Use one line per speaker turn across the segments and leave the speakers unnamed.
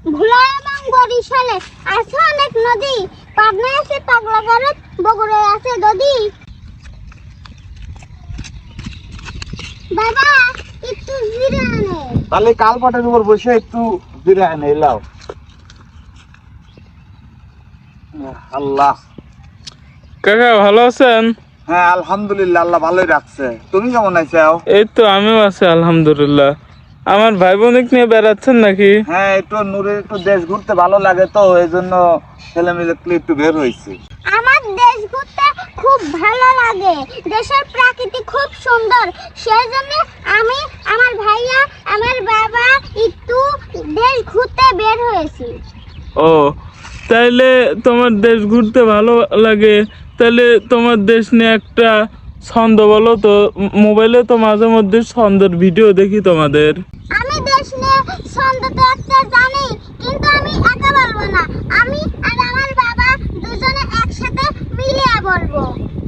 ভোলা এবং বরিশালে আছে অনেক নদী, পাবনায় আছে পাগলা গারদ, বগুড়ায় আছে নদী। বাবা একটু জিরে আনে।
তাহলে কালপাটের উপর বসে একটু জিরে আনে এলাও। আল্লাহ।
কাকা ভালো আছেন?
হ্যাঁ আলহামদুলিল্লাহ, আল্লাহ ভালোই রাখছে। তুমি কেমন আছো?
এই তো আমিও আছি আলহামদুলিল্লাহ। আমার ভাই বোনিক নিয়ে বেড়াচ্ছেন নাকি?
হ্যাঁ, একটু নূরের একটু দেশ ঘুরতে ভালো লাগে, তো এই জন্য ছেলে মিলে একটু বের হয়েছি।
আমার দেশ ঘুরতে খুব ভালো লাগে, দেশের প্রাকৃতি খুব সুন্দর, সেই জন্য আমি, আমার ভাইয়া, আমার বাবা একটু দেশ ঘুরতে বের হয়েছি।
ও তাইলে তোমার দেশ ঘুরতে ভালো লাগে, তাহলে তোমার দেশ নিয়ে একটা ছন্দ বলো তো। মোবাইলে তো মাঝে মধ্যে ছন্দের ভিডিও দেখি তোমাদের।
আমি দেশ নিয়ে ছন্দ তো একটা জানি, কিন্তু আমি একা বলবো না, আমি আর আমার বাবা দুজনে একসাথে মিলিয়ে বলবো।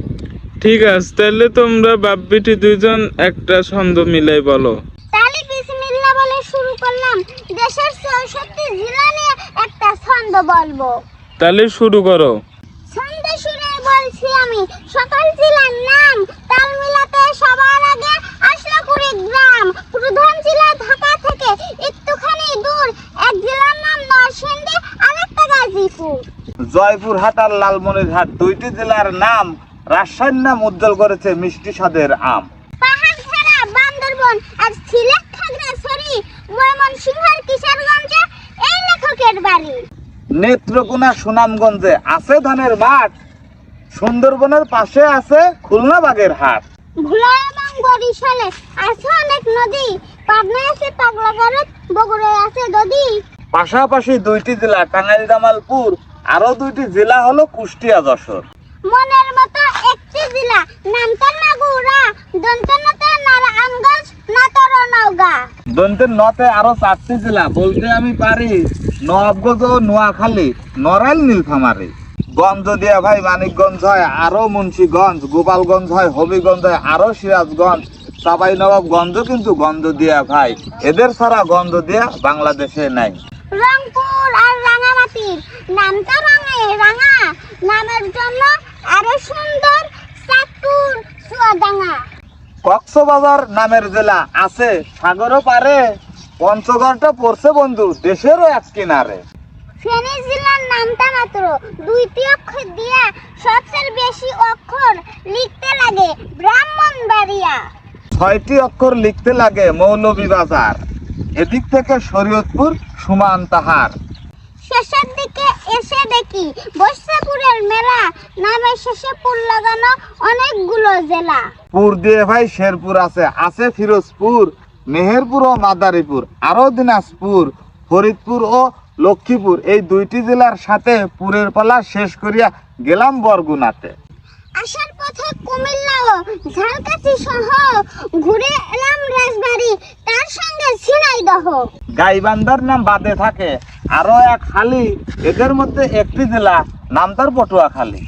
ঠিক আছে, তাহলে তোমরা বাপ বেটি দুইজন একটা ছন্দ মিলাই বলো।
তাহলে বিসমিল্লাহ বলে শুরু করলাম। দেশের ৬৪ জেলা নিয়ে একটা ছন্দ বলবো।
তাহলে শুরু করো।
ছন্দ শুনে বলছি আমি, সকাল জেলার নাম, তাল মিলাতে সবার আগে আসলো কুড়িগ্রাম। প্রধান জেলা ঢাকা থেকে একটুখানি দূর, এক জেলার নাম নরসিংদী, আরেকটা গাজীপুর।
জয়পুরহাট আর লালমনিরহাট দুইটি জেলার নাম রাজশাহীর নাম উজ্জ্বল করেছে মিষ্টি স্বাদের আম।
পাহাড় ছাড়া বান্দরবন আর সিলেট খাগড়াছড়ি, ময়মনসিংহের কিশোরগঞ্জে এই লেখকের বাড়ি।
নেত্রকোনা সুনামগঞ্জে আছে ধানের মাঠ, সুন্দরবনের পাশে আছে খুলনা বাগের হাট।
ভোলা এবং বরিশালে আছে অনেক নদী, পাবনায় আছে পাগলা গারদ, বগুড়ায় আছে নদী।
পাশাপাশি দুইটি জেলা টাঙ্গাইল জামালপুর, আরো দুইটি জেলা হলো কুষ্টিয়া যশোর।
মনের মতো একটি জেলা, নামটা নাগুরা, দন্তনতে নারায়ণগঞ্জ, নাটোর ও নওগাঁ।
দন্তের নতে আরো 4টি জেলা বলতে আমি পারি, নবাবগঞ্জ ও নোয়াখালী, নড়াইল, নীলফামারী। গঞ্জ দিয়া ভাই মানিকগঞ্জ হয়, আরো মুন্সিগঞ্জ, গোপালগঞ্জ হয়, হবিগঞ্জ হয়, আরো সিরাজগঞ্জ, চাঁপাই নবাবগঞ্জ কিন্তু গঞ্জ দিয়া ভাই। এদের ছাড়া গঞ্জ দিয়া বাংলাদেশে নাই।
রংপুর আর রাঙামাটির নামটা রাঙা, নামের জন্য আরো সুন্দর চাঁদপুর, চুয়াডাঙ্গা।
কক্সবাজার নামের জেলা আছে সাগরও পারে, পঞ্চগড়টা পড়ছে বন্ধু দেশেরও এক কিনারে।
ফেনী জেলার নামটা মাত্র 2টি অক্ষর দিয়া, সবচেয়ে বেশি অক্ষর লিখতে লাগে ব্রাহ্মণবাড়িয়া।
6টি অক্ষর লিখতে লাগে মৌলভীবাজার, এদিক থেকে শরীয়তপুর সুমান তাহার।
শেষের দিকে এসে দেখি বৈশাখপুরের মেলা, নামের শেষে পুর লাগানো অনেকগুলো জেলা।
পুর দিয়ে ভাই শেরপুর আছে, আছে ফিরোজপুর, মেহেরপুর ও মাদারীপুর, আরো দিনাজপুর, ফরিদপুর ও লক্ষ্মীপুর। এই দুইটি জেলার সাথে পুরের পালা শেষ করিয়া গেলাম বরগুনাতে।
আসার পথে কুমিল্লা ও ঝালকাঠি সহ ঘুরে এলাম রাজবাড়ি, তার সঙ্গে ঝিনাইদহ।
গাইবান্ধার নাম বাদে থাকে আরো এক খালি, এদের মধ্যে একটি জেলা নাম তার পটুয়াখালী।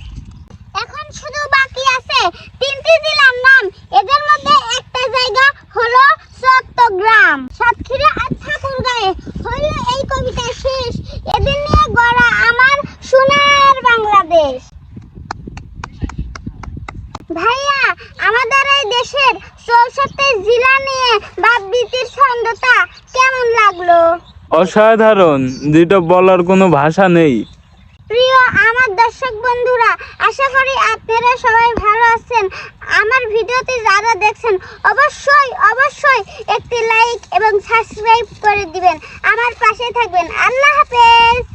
এখন শুধু বাকি আছে 3টি জেলার নাম, এদের মধ্যে একটা জায়গা হলো চট্টগ্রাম। সাতক্ষীরা আর ঠাকুরগাঁয়ে হইল এই কবিতা শেষ। এদের নিয়ে গড়া আমার সোনার বাংলাদেশ। ভাইয়া, আমাদের এই দেশের 64 জেলা নিয়ে বাপবিতির ছন্দটা কেমন লাগলো?
অসাধারণ, যেটা বলার কোনো ভাষা নেই।
প্রিয় আমার দর্শক বন্ধুরা, আশা করি আপনারা সবাই ভালো আছেন। আমার ভিডিওটি যারা দেখছেন অবশ্যই একটি লাইক এবং সাবস্ক্রাইব করে দিবেন, আমার পাশে থাকবেন। আল্লাহ হাফেজ।